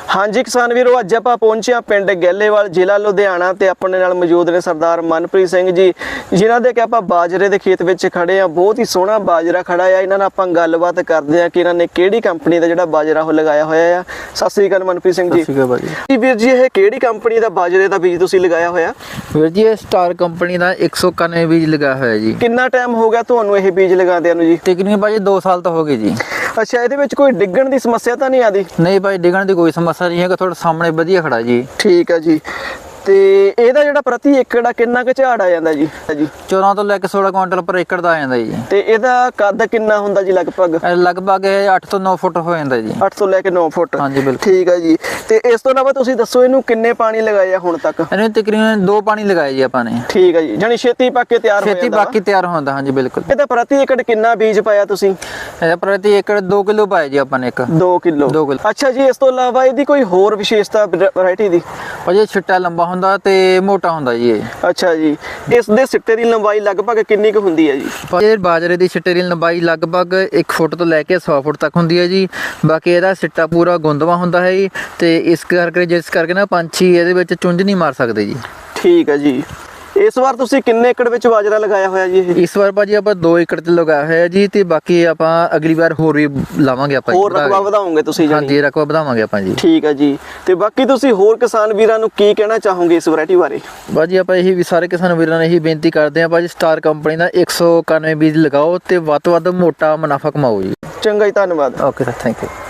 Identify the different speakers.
Speaker 1: ਹਾਂਜੀ ਕਿਸਾਨ ਵੀਰੋ, ਅੱਜ ਆਪਾਂ ਪਹੁੰਚੇ ਹਾਂ ਪਿੰਡ ਗਹਿਲੇਵਾਲ, ਜ਼ਿਲ੍ਹਾ ਲੁਧਿਆਣਾ ਤੇ ਆਪਣੇ ਨਾਲ ਮੌਜੂਦ ਨੇ ਸਰਦਾਰ ਮਨਪ੍ਰੀਤ ਸਿੰਘ ਜੀ, ਜਿਨ੍ਹਾਂ ਦੇ ਕਿ ਆਪਾਂ ਬਾਜਰੇ ਦੇ ਖੇਤ ਵਿੱਚ ਖੜੇ ਆ। ਬਹੁਤ ਹੀ ਸੋਹਣਾ ਬਾਜਰਾ ਖੜਾ ਆ। ਇਹਨਾਂ ਨਾਲ ਆਪਾਂ ਗੱਲਬਾਤ ਕਰਦੇ ਆ ਕਿ ਇਹਨਾਂ ਨੇ ਕਿਹੜੀ ਕੰਪਨੀ ਦਾ ਜਿਹੜਾ ਬਾਜਰਾ ਉਹ ਲਗਾਇਆ ਹੋਇਆ ਆ। ਸਤਿ ਸ੍ਰੀ ਅਕਾਲ ਮਨਪ੍ਰੀਤ ਸਿੰਘ ਜੀ।
Speaker 2: ਸਤਿ ਸ਼੍ਰੀ ਅਕਾਲ ਭਾਜੀ।
Speaker 1: ਵੀਰ ਜੀ, ਇਹ ਕਿਹੜੀ ਕੰਪਨੀ ਦਾ ਬਾਜਰੇ ਦਾ ਬੀਜ ਤੁਸੀਂ ਲਗਾਇਆ ਹੋਇਆ?
Speaker 2: ਵੀਰ ਜੀ, ਇਹ ਸਟਾਰ ਕੰਪਨੀ ਦਾ 191 ਬੀਜ ਲਗਾਇਆ ਹੋਇਆ ਜੀ।
Speaker 1: ਕਿੰਨਾ ਟਾਈਮ ਹੋ ਗਿਆ ਤੁਹਾਨੂੰ ਇਹ ਬੀਜ ਲਗਾਉਂਦਿਆਂ ਨੂੰ ਜੀ?
Speaker 2: ਤਕਰੀਬਨ ਭਾਜੀ 2 ਸਾਲ ਤਾਂ ਹੋ ਗਏ ਜੀ।
Speaker 1: ਅੱਛਾ, ਇਹਦੇ ਵਿੱਚ ਕੋਈ ਡਿੱਗਣ ਦੀ ਸਮੱਸਿਆ ਤਾਂ ਨਹੀਂ ਆਦੀ?
Speaker 2: ਨਹੀਂ ਭਾਈ, ਡਿੱਗਣ ਦੀ ਕੋਈ ਸਮੱਸਿਆ ਨਹੀਂ ਹੈ, ਤੁਹਾਡੇ ਸਾਹਮਣੇ ਵਧੀਆ ਖੜਾ ਜੀ।
Speaker 1: ਠੀਕ ਹੈ ਜੀ। ਤੇ ਇਹਦਾ ਜਿਹੜਾ ਪ੍ਰਤੀ ਏਕੜ ਆ ਕਿੰਨਾ ਕੁ ਝਾੜ ਆ ਜਾਂਦਾ ਜੀ?
Speaker 2: 14 ਤੋਂ ਲੈ ਕੇ 16 ਕੁਇੰਟਲ ਪਰ ਏਕੜ ਦਾ ਆ ਜਾਂਦਾ ਜੀ।
Speaker 1: ਤੇ ਇਹਦਾ ਕੱਦ ਕਿੰਨਾ ਹੁੰਦਾ ਜੀ ਲਗਭਗ?
Speaker 2: ਲਗਭਗ 8 ਤੋਂ 9 ਫੁੱਟ ਹੋ ਜਾਂਦਾ ਜੀ।
Speaker 1: 8 ਤੋਂ ਲੈ ਕੇ 9 ਫੁੱਟ।
Speaker 2: ਹਾਂਜੀ ਬਿਲਕੁਲ।
Speaker 1: ਠੀਕ ਹੈ ਜੀ। ਤੇ ਇਸ ਤੋਂ ਇਲਾਵਾ ਤੁਸੀਂ ਦੱਸੋ ਇਹਨੂੰ ਕਿੰਨੇ ਪਾਣੀ ਲਗਾਏ ਆ ਹੁਣ ਤੱਕ?
Speaker 2: ਇਹਨੂੰ ਤਕਰੀਬਨ 2 ਪਾਣੀ ਲਗਾਏ ਜੀ ਆਪਾਂ ਨੇ।
Speaker 1: ਠੀਕ ਹੈ ਜੀ, ਜਾਨੀ ਛੇਤੀ ਪੱਕ ਕੇ ਤਿਆਰ ਹੋ ਜਾਂਦਾ।
Speaker 2: ਛੇਤੀ ਬਾਕੀ ਤਿਆਰ ਹੁੰਦਾ। ਹਾਂਜੀ ਬਿਲਕੁਲ।
Speaker 1: ਇਹਦਾ ਪ੍ਰਤੀ ਏਕੜ ਕਿੰਨਾ ਬੀਜ ਪਾਇਆ ਤੁਸੀਂ?
Speaker 2: ਇਹਦਾ ਪ੍ਰਤੀ ਏਕੜ 2 ਕਿਲੋ ਪਾਇਆ ਜੀ ਆਪਾਂ ਨੇ।
Speaker 1: 2 ਕਿਲੋ।
Speaker 2: 2 ਕਿਲੋ।
Speaker 1: ਅੱਛਾ ਜੀ, ਇਸ ਤੋਂ ਇਲਾਵਾ ਇਹਦੀ ਕੋਈ ਹੋਰ ਵਿਸ਼ੇਸ਼ਤਾ ਵੈਰਾਈਟੀ ਦੀ?
Speaker 2: ਭਾਜੀ ਛਿੱਟਾ ਲੰਬਾ ਹੁੰਦਾ ਤੇ ਮੋਟਾ ਹੁੰਦਾ ਜੀ ਇਹ।
Speaker 1: ਅੱਛਾ ਜੀ, ਇਸ ਦੇ ਸਿੱਟੇ ਦੀ ਲੰਬਾਈ ਲਗਭਗ ਕਿੰਨੀ ਕੁ ਹੁੰਦੀ ਹੈ ਜੀ?
Speaker 2: ਇਹ ਬਾਜਰੇ ਦੀ ਸਿੱਟੇ ਦੀ ਲੰਬਾਈ ਲਗਭਗ 1 ਫੁੱਟ ਤੋਂ ਲੈ ਕੇ 100 ਫੁੱਟ ਤੱਕ ਹੁੰਦੀ ਹੈ ਜੀ। ਬਾਕੀ ਇਹਦਾ ਸਿੱਟਾ ਪੂਰਾ ਗੁੰਦਵਾ ਹੁੰਦਾ ਹੈ ਜੀ, ਤੇ ਇਸ ਕਰਕੇ ਨਾ ਪੰਛੀ ਇਹਦੇ ਵਿੱਚ ਚੁੰਝ ਨਹੀਂ ਮਾਰ ਸਕਦੇ ਜੀ।
Speaker 1: ਠੀਕ ਹੈ ਜੀ। ਇਸ ਵਾਰ ਤੁਸੀਂ ਕਿੰਨੇ ਏਕੜ ਵਿੱਚ ਬਾਜਰਾ ਲਗਾਇਆ ਹੋਇਆ ਜੀ?
Speaker 2: ਇਸ ਵਾਰ ਭਾਜੀ ਆਪਾਂ 2 ਏਕੜ ਤੇ ਲਗਾਇਆ ਹੋਇਆ ਜੀ, ਤੇ ਬਾਕੀ ਆਪਾਂ ਅਗਲੀ ਵਾਰ ਹੋਰ ਵੀ ਲਾਵਾਂਗੇ ਆਪਾਂ।
Speaker 1: ਹੋਰ ਰਕਬਾ ਵਧਾਓਗੇ ਤੁਸੀਂ?
Speaker 2: ਹਾਂਜੀ, ਰਕਬਾ ਵਧਾਵਾਂਗੇ ਆਪਾਂ ਜੀ।
Speaker 1: ਠੀਕ ਹੈ ਜੀ। ਤੇ ਬਾਕੀ ਤੁਸੀਂ ਹੋਰ ਕਿਸਾਨ ਵੀਰਾਂ ਨੂੰ ਕੀ ਕਹਿਣਾ ਚਾਹੋਗੇ ਇਸ ਵੈਰਾਈਟੀ ਬਾਰੇ?
Speaker 2: ਭਾਜੀ ਆਪਾਂ ਇਹੀ ਵੀ ਸਾਰੇ ਕਿਸਾਨ ਵੀਰਾਂ ਨੂੰ ਇਹੀ ਬੇਨਤੀ ਕਰਦੇ ਹਾਂ, ਭਾਜੀ ਸਟਾਰ ਕੰਪਨੀ ਦਾ 191 ਬੀਜ ਲਗਾਓ ਤੇ ਵੱਧ ਤੋਂ ਵੱਧ ਮੋਟਾ ਮੁਨਾਫਾ ਕਮਾਓ ਜੀ।
Speaker 1: ਚੰਗਾ ਜੀ, ਧੰਨਵਾਦ।
Speaker 2: Okay sir, thank you.